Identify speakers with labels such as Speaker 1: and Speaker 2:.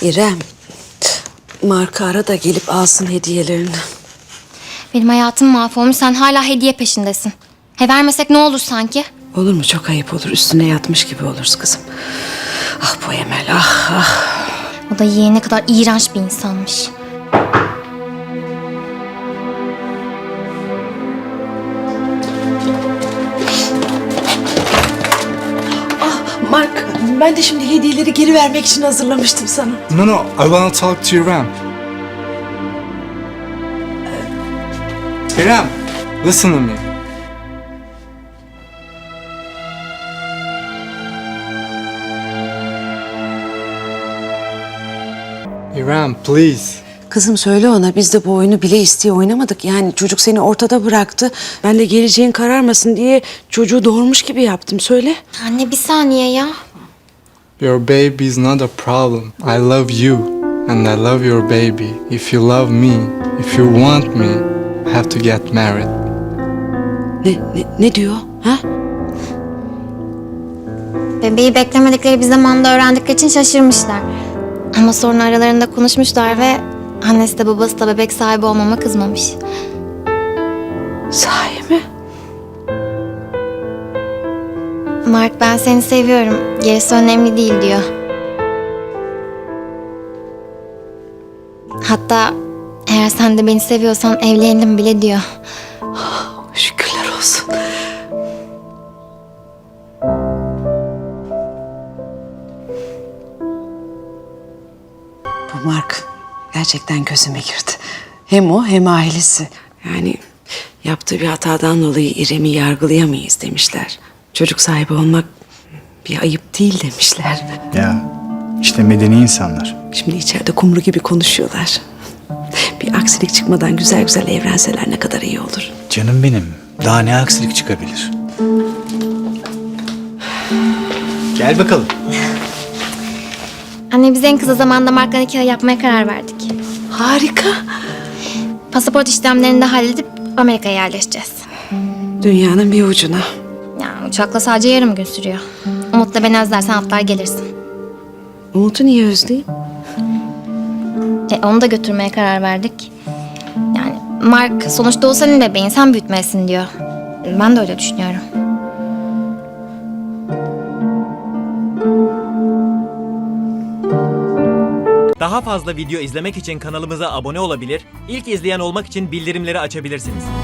Speaker 1: İrem, Mark'ı ara da gelip alsın hediyelerini.
Speaker 2: Benim hayatım mahvolmuş, sen hala hediye peşindesin. Vermesek ne olur sanki?
Speaker 1: Olur mu? Çok ayıp olur. Üstüne yatmış gibi oluruz kızım. Ah bu Emel, ah ah.
Speaker 2: O da yeğene kadar iğrenç bir insanmış.
Speaker 1: Mark, ben de şimdi hediyeleri geri vermek için hazırlamıştım sana.
Speaker 3: No, I wanna talk to İrem. İrem, listen to me. İrem, please.
Speaker 1: Kızım söyle ona, biz de bu oyunu bile isteye oynamadık. Yani çocuk seni ortada bıraktı. Ben de geleceğin kararmasın diye çocuğu doğurmuş gibi yaptım. Söyle.
Speaker 2: Anne bir saniye ya.
Speaker 3: Your baby is not a problem. I love you and I love your baby. If you love me, if you want me, I have to get married.
Speaker 1: Ne diyor? Ha?
Speaker 2: Bebeği beklemedikleri bir zamanda öğrendikleri için şaşırmışlar. Ama sonra aralarında konuşmuşlar ve annesi de babası da bebek sahibi olmama kızmamış.
Speaker 1: Sahi mi?
Speaker 2: Mark ben seni seviyorum, gerisi önemli değil diyor. Hatta eğer sen de beni seviyorsan evlenelim bile diyor.
Speaker 1: Şükürler olsun. Bu Mark gerçekten gözüme girdi. Hem o hem ailesi. Yani yaptığı bir hatadan dolayı İrem'i yargılayamayız demişler. Çocuk sahibi olmak bir ayıp değil demişler.
Speaker 4: Ya işte medeni insanlar.
Speaker 1: Şimdi içeride kumru gibi konuşuyorlar. Bir aksilik çıkmadan güzel güzel evlenseler ne kadar iyi olur.
Speaker 4: Canım benim. Daha ne aksilik çıkabilir? Gel bakalım.
Speaker 2: Anne biz en kısa zamanda Mark'la nikah yapmaya karar verdik.
Speaker 1: Harika.
Speaker 2: Pasaport işlemlerini de halledip Amerika'ya yerleşeceğiz.
Speaker 1: Dünyanın bir ucuna.
Speaker 2: Yani uçakla sadece yarım gün sürüyor. Umut'la beni özlersen atlar gelirsin.
Speaker 1: Umut'u niye özleyeyim?
Speaker 2: Onu da götürmeye karar verdik. Yani Mark sonuçta o senin bebeğin, sen büyütmelisin diyor. Ben de öyle düşünüyorum.
Speaker 5: Daha fazla video izlemek için kanalımıza abone olabilir, ilk izleyen olmak için bildirimleri açabilirsiniz.